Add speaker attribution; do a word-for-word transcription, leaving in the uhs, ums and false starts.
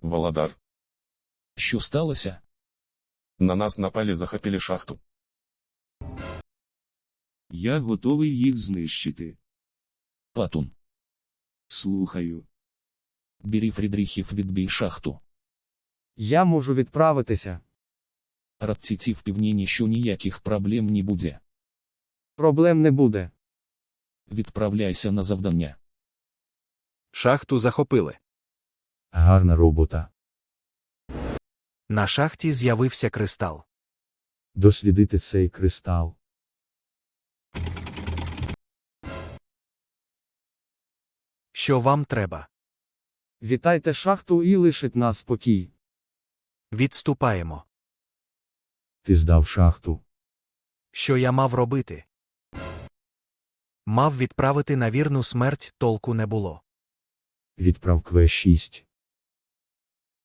Speaker 1: Володар.
Speaker 2: Що сталося?
Speaker 1: На нас напали, захопили шахту.
Speaker 3: Я готовий їх знищити.
Speaker 2: Патун.
Speaker 3: Слухаю.
Speaker 2: Бери Фрідріхів, відбій шахту.
Speaker 4: Я можу відправитися.
Speaker 2: Радціці впевнені, що ніяких проблем не буде.
Speaker 4: Проблем не буде.
Speaker 2: Відправляйся на завдання.
Speaker 5: Шахту захопили.
Speaker 4: Гарна робота.
Speaker 6: На шахті з'явився кристал.
Speaker 4: Дослідити цей кристал.
Speaker 6: Що вам треба?
Speaker 4: Вітайте шахту і лишить нас спокій.
Speaker 6: Відступаємо.
Speaker 4: Ти здав шахту.
Speaker 6: Що я мав робити? Мав відправити на вірну смерть, толку не було.
Speaker 4: Відправ Кве шість.